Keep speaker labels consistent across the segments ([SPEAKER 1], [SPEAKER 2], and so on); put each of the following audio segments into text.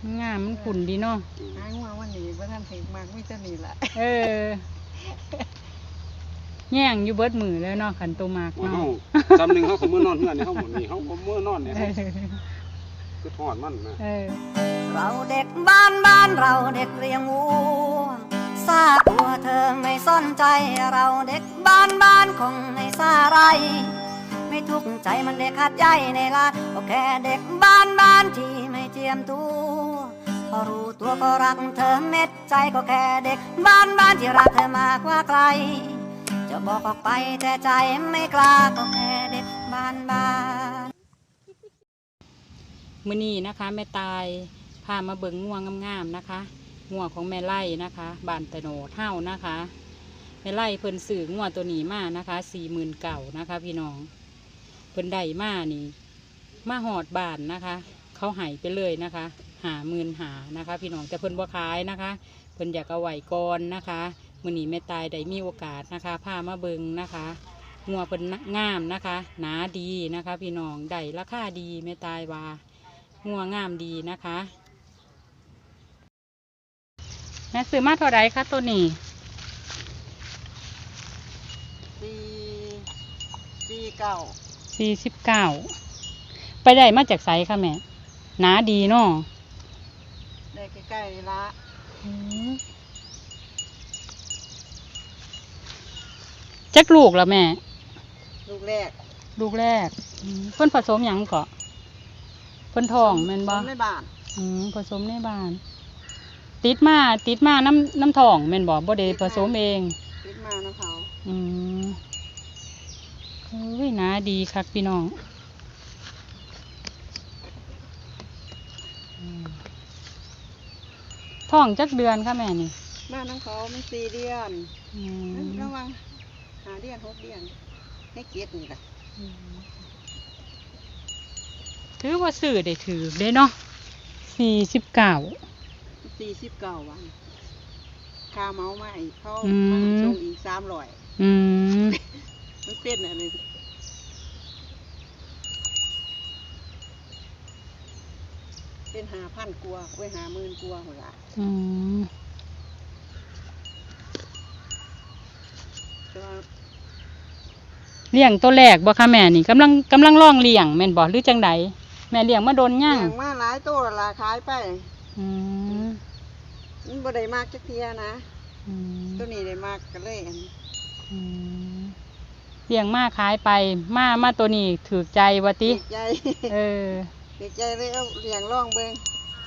[SPEAKER 1] งามมันขุ่นดีเนาะ
[SPEAKER 2] หางัววันนี้บ่ทันถึงมากมีแต่นี่แหละ
[SPEAKER 1] แย่งอยู่เบิดมือแล้วเนาะขันตัวมากเนาะ
[SPEAKER 3] จำหนึ่งเขาขมือนอนเฮือนนี่เขาหมดนี่เขาขมือนอนเนี่ยคือทอดมันนะ
[SPEAKER 4] เราเด็กบ้านเราเด็กเรียงวัวซาตัวเธอไม่สนใจเราเด็กบ้านคงไม่ซาไรไม่ทุกข์ใจมันเด็กขาดใจในลาดก็แค่เด็กบ้านที่ไม่เจียมตัวพอรู้ตัวก็รักเธอเม็ดใจก็แค่เด็กบ้านที่รักเธอมากกว่าใครจะบอกออกไปแต่ใจไม่กล้าก็แค่เด็กบ้าน
[SPEAKER 1] มื้อนี้นะคะแม่ตายพามาเบิ่งงัวงามๆนะคะงัวของแม่ไล่นะคะบ้านตะโนดเฮ้านะคะแม่ไล่เพิ่นซื้องัวตัวนี้มานะคะ49,000นะคะพี่น้องเพิ่นได้มานี่มาหอดบ้านนะคะเขาให้ไปเลยนะคะ50,000นะคะพี่น้องแต่เพิ่นบ่ขายนะคะเพิ่นอยากเอาไว้ก่อนนะคะมื้อนี้แม่ตายได้มีโอกาสนะคะพามาเบิ่งนะคะงัวเพิ่นงามนะคะหนาดีนะคะพี่น้องได้ราคาดีแม่ตายว่างัวงามดีนะคะแม่ซื้อมาเท่าไรคะตัวนี้49ไปได้มาจากไสค่ะแม่หนาดีเนาะ
[SPEAKER 2] ได้ใกล้ๆละ
[SPEAKER 1] จักลูกแล้วแม่
[SPEAKER 2] ลูกแรก
[SPEAKER 1] เพิ่นผสมหยังเกาะเพิ่นทองแม่นบ่
[SPEAKER 2] ในบ้าน
[SPEAKER 1] ผสมในบ้านติดมาน้ำทองแม่นบ่ได้ผสมเอง
[SPEAKER 2] ติดมาน้ำเขา
[SPEAKER 1] เฮ้ยน่าดีคักพี่น้องท้องจักเดือนค่ะแม่นี่
[SPEAKER 2] บ้านน้ำเขาไม่4 เดือนระวัง5 เดือน6 เดือนให้เก็บนี่ล่ะ
[SPEAKER 1] ถือว่าซื้อได้ถือได้เนาะ49
[SPEAKER 2] วันค่าเมามาอีกเขามาส่งอีก300มันเป็นอะไรเป็น 5,000 กว่าไว้50,000 กว่าหั่นล่ะ
[SPEAKER 1] เลี้ยงตัวแรกบ่คะแม่นี่กำลังลองเลี้ยงแม่นบ่หรือจังใดแม่เลี้ยงมาโดนย่าง
[SPEAKER 2] เลี้ยงมาหลายตัวละขายไปมันบ่ได้มากจักเทียนะตัวนี้ได้มากก็เลย
[SPEAKER 1] เลี้ยงมาขายไปมาตัวนี้ถูกใจว่าติ
[SPEAKER 2] ถูกใจถูกใจเลยเอาเลี้ยงลองเบิ่ง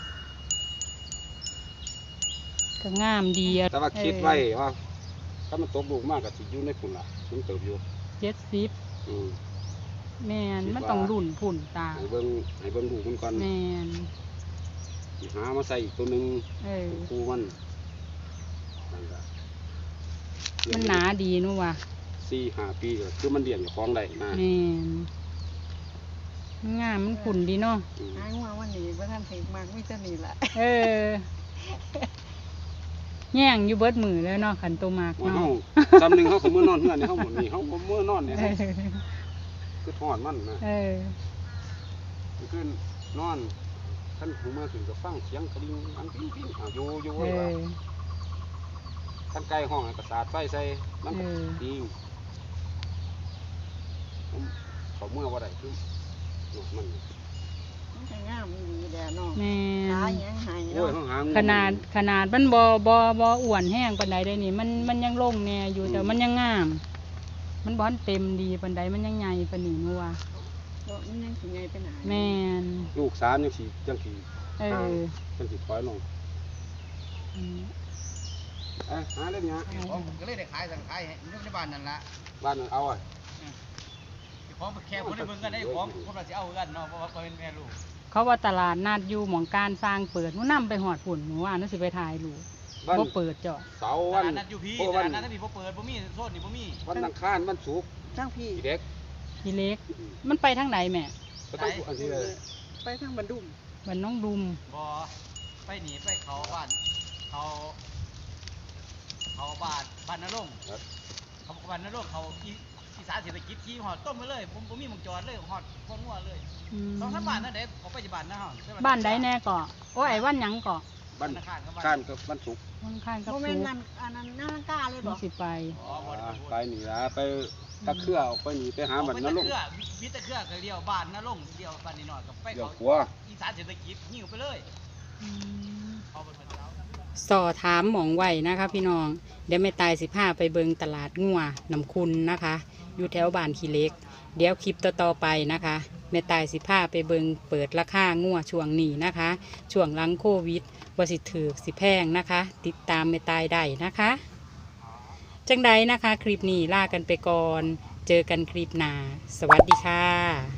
[SPEAKER 1] ก็งามดี
[SPEAKER 3] แต่ว่าคิดไว้ว่าถ้ามันตกลูกมากก็สิอยู่ในฝุ่นล่ะมันเติบอยู่
[SPEAKER 1] 70แม่นมันต้องรุ่นฝุ่นตา
[SPEAKER 3] ให้เบิ่งลูกมันก่อน
[SPEAKER 1] แม่น
[SPEAKER 3] หามาใส่อีกตัวนึงคู่มัน
[SPEAKER 1] หนาดีนู่ว่ะ
[SPEAKER 3] 4-5 ปีก็คือมันเลี้ยงอยู่ของได้นะ
[SPEAKER 1] แม่นงามมันขุ่นดีเนาะ
[SPEAKER 2] หางัววันนี้บ่ทันถึงมากมีแต่นี่ล่ะ
[SPEAKER 1] แย่งอยู่เบิดมือแล้วเนาะขันตัวมากเนาะ
[SPEAKER 3] จำหนึ่งเขาขมือนอนเฮือนนี่เขาหมดนี่เขาขมือนอนเนี่ยคือทอดมันนะคือนอนท่านหูเมื่อถึงจะฟังเสียงกระดิ่งอันปิ้งอยู่ไว้ว่าท่านไก่ห้องกระสาดไฟใส่มันดีเขาเมื่อว่าไรคือมัน
[SPEAKER 2] งามมีแดดเนาะ
[SPEAKER 1] ขนาดมันบ่อ้วนแห้งปานใดได้นี่มันยังลงแน่อยู่แต่มันยังงามมันบ่เต็มดีปานใดมันยังใหญ่ปานนี้นัว
[SPEAKER 2] มันยังสิใหญ่ไปไหน
[SPEAKER 1] แม่น
[SPEAKER 3] ลูก3ยังสิจังสิถอยลงหาเล่นเนี้ย
[SPEAKER 5] ผมก็เลยได้ขายสั่งขายอยู่ในบ้านนั่นละ
[SPEAKER 3] บ้านนั่นเอา
[SPEAKER 5] ของแค่คนได้เบิ่งกันได้ของคนเราจะเอากันเนาะเพราะว่าเป็นแม่ลูก
[SPEAKER 1] เขาว่าตลาดนัดอยู่หม่องการสร้างเปิดนู่นนำไปหอดฝุ่นหนูว่านั่นสิไปถ่ายลูกบ่เปิดจ้ะ
[SPEAKER 3] เสาร์วัน
[SPEAKER 5] นัดอยู่พี่นัดที่บ่เปิดบ่มีโซนนี่บ่มี
[SPEAKER 3] วันอังคารวันศุกร์
[SPEAKER 2] ทั้งพี่
[SPEAKER 3] เด็ก
[SPEAKER 1] มันไปทางไหนแม่
[SPEAKER 2] ไปทางบันดุม
[SPEAKER 1] บ้านน้องดุม
[SPEAKER 5] บ่ไปหนีไปเขาบ้านเขาบ้านนรงค์เขาบ้านนรงค์เขาอีสานเศรษฐกิจขี่หอดต้มมาเลยผมมีมังจรเลยหอดพวกงัวเลย2-3 บ้านนั่นเด็กเขาไปที่บ้านนะฮะ
[SPEAKER 1] บ้านใดแน่ก่อโอ้ยวันหยังก่อ
[SPEAKER 3] บ้านข้านกับบ้านสุก
[SPEAKER 1] วันข้างกับ
[SPEAKER 2] โมเม
[SPEAKER 1] สู
[SPEAKER 2] นต์นั้นอันนั้นน่ากล้าเลยบ
[SPEAKER 1] มั
[SPEAKER 2] อน ก
[SPEAKER 1] สิไป
[SPEAKER 3] ไปนี่ละไปตะเครือออกไปนี่ไปหา
[SPEAKER 5] เอา
[SPEAKER 3] บัน
[SPEAKER 5] ไป
[SPEAKER 3] น
[SPEAKER 5] ตะ
[SPEAKER 3] รก
[SPEAKER 5] เครือวิตะเครือก็เลี้ยวบ้านนะลงเลี้ยวบ้านนิดหน่อยกับไป
[SPEAKER 3] เดี๋ยว
[SPEAKER 5] เขา
[SPEAKER 3] ขัว
[SPEAKER 5] อีสานเศรษฐกิจหิ้วไปเลยเอาไปเช้า
[SPEAKER 1] สอถามหมองไหวนะคะพี่น้องเดี๋ยวแม่ตาย15ไปเบิงตลาดงัวน้ำคุณนะคะ อยู่แถวบ้านขี้เหล็ก เดี๋ยวคลิปต่อๆไปนะคะแม่ตาย15ไปเบิงเปิดราคางัวช่วงนี้นะคะ ช่วงหลังโควิดว่าสิถือสิแพงนะคะ ติดตามแม่ตายได้นะคะ จังใดนะคะ คลิปนี้ลากันไปก่อน เจอกันคลิปหน้าสวัสดีค่ะ